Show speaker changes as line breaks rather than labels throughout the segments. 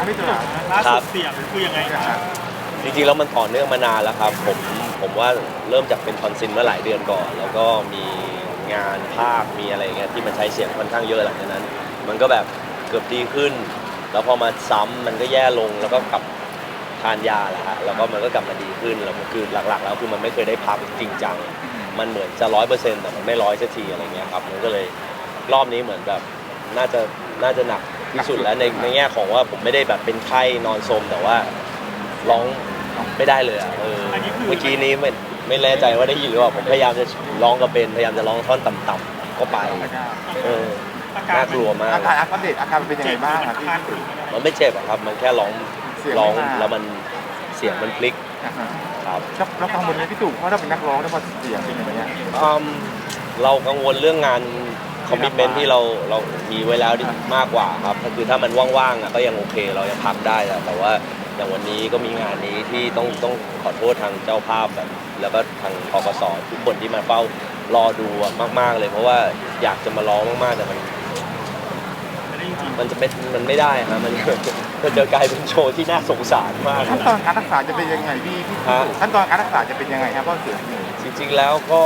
พี่ตู่ล่าสุดเสียงคือยังไงครับ
จริงๆแล้วมันต่อเนื่องมานานแล้วครับผมว่าเริ่มจากเป็นทอนซิลเมื่อหลายเดือนก่อนแล้วก็มีงานภาคมีอะไรเงี้ยที่มันใช้เสียงค่อนข้างเยอะหลังจากนั้นมันก็แบบเกือบดีขึ้นแล้วพอมาซ้ำมันก็แย่ลงแล้วก็กลับทานยาแหละฮะแล้วก็มันก็กลับมาดีขึ้นแล้วคือหลักๆแล้วคือมันไม่เคยได้พักจริงจังมันเหมือนจะ100%แต่มันไม่100%สักทีอะไรเงี้ยครับมันก็เลยรอบนี้เหมือนแบบน่าจะหนักที่สุดแล้วในแง่ของว่าผมไม่ได้แบบเป็นไข้นอนสมแต่ว่าร้องไม่ได้เลยอ่ะเมื่อกี้นี้ไม่แน่ใจว่าได้ยินหรือเปล่าผมพยายามจะร้องกับเบนพยายามจะร้องท่อนต่ำๆก็ไปน่ากลัวมาก
อาการอัปเดตอาการเป็นยังไงบ้างครับพี่
มันไม่เจ็บครับมันแค่ร้องแล้วมันเสียงมันพลิกครับ
เรากังวลไหมพี่ตู่เพราะเราเป็นนักร้องแล้วพอเสียงเป็นอย่างนี้
เรากังวลเรื่องงานคอมมิชเมนท์ที่เรามีไว้แล้วมากกว่าครับคือถ้ามันว่างๆก็ยังโอเคเรายังพักได้แต่ว่าอย่างวันนี้ก็มีงานนี้ที่ต้องขอโทษทางเจ้าภาพแบบแล้วก็ทางกกสทุกคนที่มาเฝ้ารอดูมากๆเลยเพราะว่าอยากจะมาร้องมากๆแต่มันไม่ได้ฮะมันจะกลายเป็นโชว์ที่น่าสงสารมาก
ขั้นตอนการรักษาจะเป็นยังไงพี่ขั้นตอนการรักษาจะเป็นยังไงครับเพราะเสียง
จริงๆแล้วก็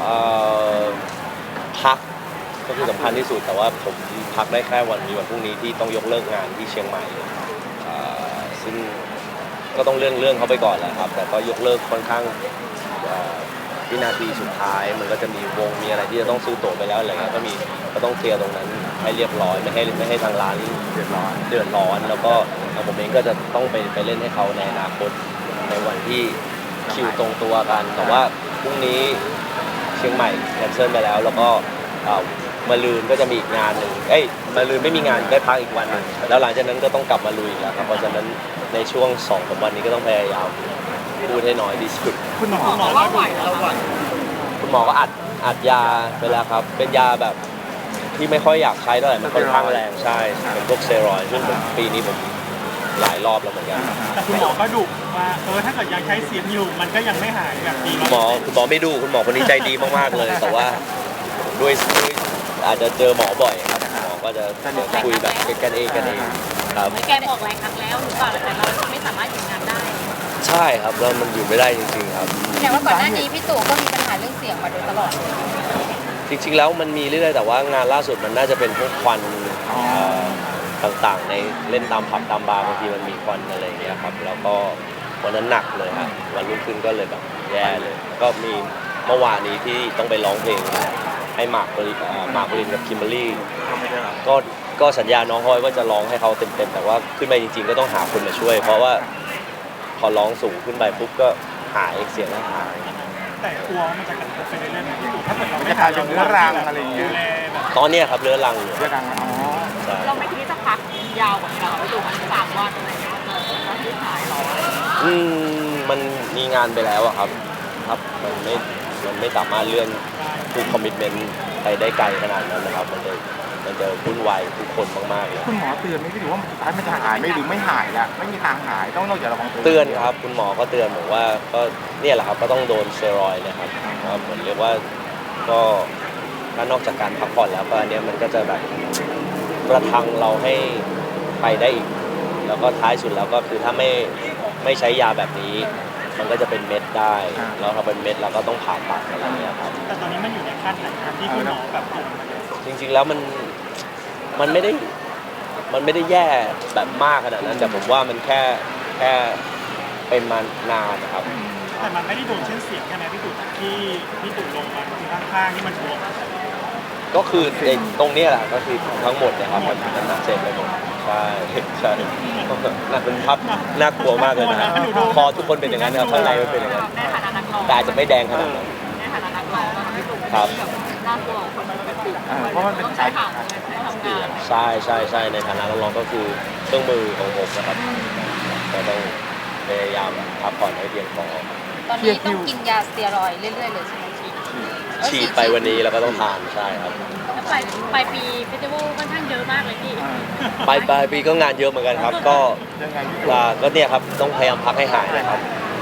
พักก็คือสำคัญที่สุดแต่ว่าผมพักได้แค่วันพรุ่งนี้ที่ต้องยกเลิกงานที่เชียงใหม่ซึ่งก็ต้องเรื่องเขาไปก่อนแหละครับแต่ก็ยกเลิกค่อนข้างวินาทีสุดท้ายมันก็จะมีวงมีอะไรที่จะต้องซื้อตั๋วไปแล้วอะไรเงี้ยก็ต้องเคลียร์ตรงนั้นให้เรียบร้อยไม่ให้ทางร้านเดือดร้อนแล้วก็ผมเองก็จะต้องไปเล่นให้เขาในอนาคตในวันที่คิวตรงตัวกันแต่ว่าพรุ่งนี้เชียงใหม่แคนเซิลไปแล้วก็มะรืนก็จะมีอีกงานหนึ่งมะรืนไม่มีงานได้พักอีกวันนึงแล้วหลังจากนั้นก็ต้องกลับมาลุยแล้วครับเพราะฉะนั้นในช่วง2-3 วันนี้ก็ต้องพยายามพูดให้น้อยที่สุด
คุณหมอ
ว่าไหวแล้ว
คุณหมอก็อัดยาไปแล้วครับเป็นยาแบบที่ไม่ค่อยอยากใช้เท่าไหร่มันค่อนข้างแรงใช่เป็นพวกสเตียรอยด์ซึ่งปีนี้ผมหลายรอบแล้วเหมือนกัน
แต่คุณหมอก็ดุว่าถ้าเกิดยังใช้เสียงอยู่มันก็ยังไม่หายแบบนี้
คุณหมอไม่ดุคุณหมอคนนี้ใจดีมากๆเลยแต่ว่าด้วยอาจจะเจอหมอบ่อยครับหมอก็จะคุยแบบกันเองครับ
แกบอกหลายครั้งแล้วหรือเปล่าแต่เราไม่สามารถหยุดงานได้
ใช่ครับแล้วมันอยู่ไม่ได้จริงๆครับ
แต่ว่าก่อนหน้านี้พี่ตู่ก็มีปัญหาเรื่องเสียงมาโดยตลอด
จริงๆแล้วมันมีเรื่อยๆแต่ว่างานล่าสุดมันน่าจะเป็นพวกควันต่างๆในเล่นตามผับตามบาร์บางทีมันมีควันอะไรอย่างเงี้ยครับแล้วก็วันนั้นหนักเลยฮะวันรุ่งขึ้นก็เลยแบบแย่เลยก็มีเมื่อวานนี้ที่ต้องไปร้องเพลงให้หมากปรินกับคิมเบอรรี่ก็สัญญาน้องฮอยว่าจะร้องให้เขาเต็มๆแต่ว่าขึ้นไปจริงๆก็ต้องหาคนมาช่วยเพราะว่าพอร้องสูงขึ้นไปปุ๊บก็หายเสียงหาย
แต่กลัวมันจะกระทบไปเรื่อยๆที่ถ้าเกิดเราไม่ทานเรื้อรังอะไรอย่างเงี้ย
ตอนนี้ครับเรื้อรัง
เราไม่คิดจะพักยาวกว่านี้เราไปดูมัน3 วันอะไรเงี้ยเราที่หายหรอ
มันมีงานไปแล้วอะครับมันไม่สามารถเลื่อนทุกคอมมิตเมนต์ไปได้ไกลขนาดนั้นนะครับมันจะวุ่นวายทุกคนมากๆเลย
คุณหมอเตือนไหมพี่ถือว่ามันสุดท้ายมันจะหายไหมหรือไม่หายละไม่มีทางหายต้องนอกจากระวัง
เตือนครับคุณหมอก็เตือนบอกว่าก็เนี่ยแหละครับก็ต้องโดนสเตียรอยด์นะครับเหมือนเรียกว่าก็ถ้านอกจากการพักผ่อนแล้วก็อันนี้มันก็จะแบบประทังเราให้ไปได้อีกแล้วก็ท้ายสุดแล้วก็คือถ้าไม่ใช้ยาแบบนี้มันก็จะเป็นเม็ดได้แล้วถ้าเป็นเม็ดเราก็ต้องผ่าตัดอะไรอย่างเงี้ยครับ
แต่ตอนนี้มันอยู่ในขั้นไหนครับที่คุณหมอแบบ
จริงๆแล้วมันไม่ได้แย่แบบมากขนาดนั้นแต่ผมว่ามันแค่เป็นมานานนะครับ
แต่มันไม่ได้โดนเช่นเสียงใช่ไหมพี่ตู่ที่พี่ตู่ลงมาข้างๆที่มันบวม
ก็คือตรงนี้แหละก็คือทั้งหมดนะครับมันหนักเจ็บไปหมดใช่น่าเป็นภาพน่ากลัวมากเลยนะพอทุกคนเป็นอย่างนั้นครับข้างในมันเป็นอย่างนั้นแต่อาจจะไม่แดงขนาดนั้น
ในฐานะนักร้องพี่ตู่
ครับ
น่ากลัวคนมันเป็น
เพราะมันเป็น
ใช้ขาทำงาน
ใช่ในฐานะนักร้องก็คือเครื่องมือของผมนะครับก็ต้องพยายามพักผ่อนให้เพียงพอ
ตอนนี้ต้องกินยาสเตียรอยด์เรื่อยๆเลยใช่ไหม
ฉีดไปวันนี้แล้วก็ต้องทานใช่ครับ
ปลายปีเฟสติวัลค่อนข้างเยอะมากเลยพี่
ปลายปีก็งานเยอะเหมือนกันครับก็เนี่ยครับต้องพยายามพักให้หายนะครับ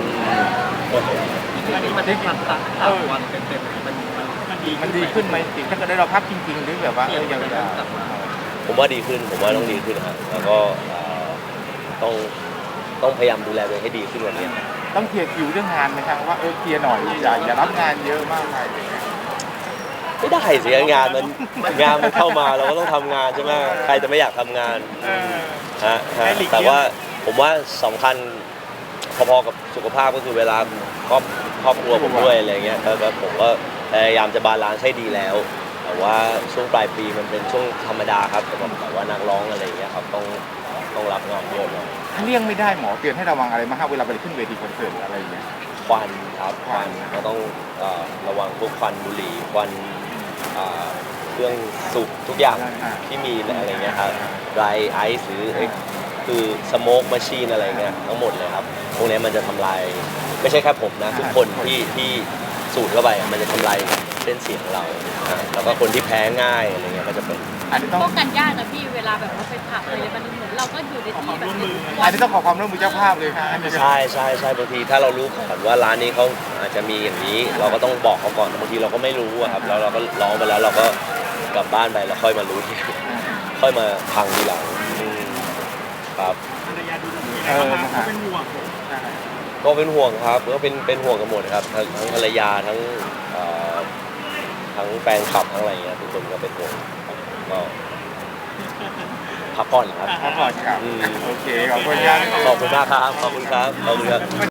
อันนี้มันได้กิน3 วันเต็มๆมันดีขึ้นไหมถ้าเกิดได้เราพักจริงๆหรือแบบว่าอย่าง
ผมว่าดีขึ้นผมว่าต้องดีขึ้นครับแล้วก็ต้องพยายามดูแลตัวเองให้ดีขึ้นกว่านี้
ต้องเคลียร์คิวเรื่องงานไหมครับว่าเคลียร์หน่อยอย่ารับงานเยอะมากไปอะไรเงี้ย
ไม่ได้สิงานมันเข้ามาเราก็ต้องทำงานใช่ไหมใครจะไม่อยากทำงานฮะแต่ว่าผมว่าสำคัญพอๆกับสุขภาพก็คือเวลาครอบครัวผมด้วยอะไรเงี้ยแล้วผมก็พยายามจะบาลานซ์ให้ดีแล้วแต่ว่าช่วงปลายปีมันเป็นช่วงธรรมดาครับสำหรับแบบว่านักร้องอะไรเงี้ยครับต้องรับงานเยอะหน่อย
ถ้าเลี่ยงไม่ได้หมอเตือนให้ระวังอะไรมางครับเวลาไปขึ้นเวทีคอนเสิร์ตอะไรอย่างเงี้ย
ควันครับควันก็ต้องระวังพวกควันบุหรี่ควันเครื่องสูบทุกอย่างที่มีอะไรเงี้ยครับไรไอซ์หรือคือสโมกมาชีนอะไรเงี้ยทั้งหมดเลยครับพวกนี้มันจะทำลายไม่ใช่แค่ผมนะทุกคนที่สูดเข้าไปมันจะทำลายเส้นเสียงเราแล้วก็คนที่แพ้ง่ายอะไรเงี้ยก็จะเป็น
อันนี้ต้อง
ป้องกันยากนะพี่เวลาแบบว่าไปผับเลยมันเหมือนเราก็อยู่ในที่แบบ
อันนี้ต้องขอความร่วมมือเจ้าภาพเลยค่ะอันนี้
ใช่บางทีถ้าเรารู้ก่อนว่าร้านนี้เขาอาจจะมีอย่างนี้ เราก็ต้องบอกเขาก่อนบางทีเราก็ไม่รู้อะครับแล้วเราก็ร้องไปแล้วเราก็กลับบ้านไปแล้วค่อยมารู้ทีค่อยมาพังทีหลังครับ
นะคะเป็นห่วง
ก็เป็นห่วงครับก็เป็นห่วงกันหมดครับทั้งภรรยาทั้งแฟนคลับทั้งอะไรเงี้ยทุกคนก็เป็นห่วงก็พักผ่อนครับ
ขอบคุณครับโอเคขอบคุณครับ
ขอบคุณมากครับขอบคุณครับ